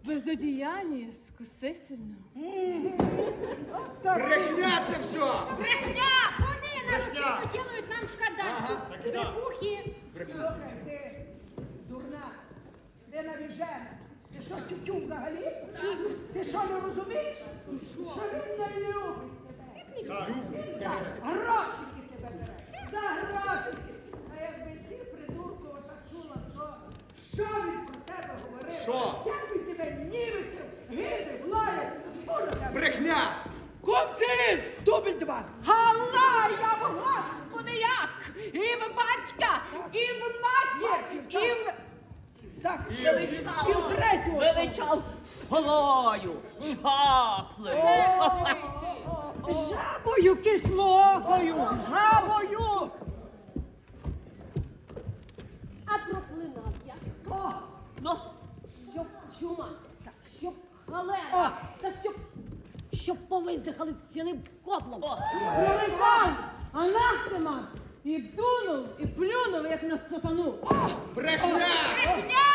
безодіянні скусительно. Брехня це все! Брехня! Вони нарочито делають нам шкода. Брехухи. Слухай, ти дурна, ти навіжена. Ти що, тютю взагалі? Ти що, не розумієш? Що він не любить тебе. Він за грошики тебе бере. За грошики. А якби ти, придурку, отак чула, що він про тебе говорив? Що? Як він тебе німеців, гидив, лаяв? Брехня! Хлопці! Дубль 2! Галла! Я в Господи як! І в батька! І в матір! І в... Так, і в третю! Величав солою, чаплею. Жабою кислокою! Жабою! А проклинав я. О! Ну, щоб чума, щоб холера, та щоб повиздихали цілим котлом. Пролетав, анафема, і дунув, і плюнув, як на сатану. Брехня! Брехня!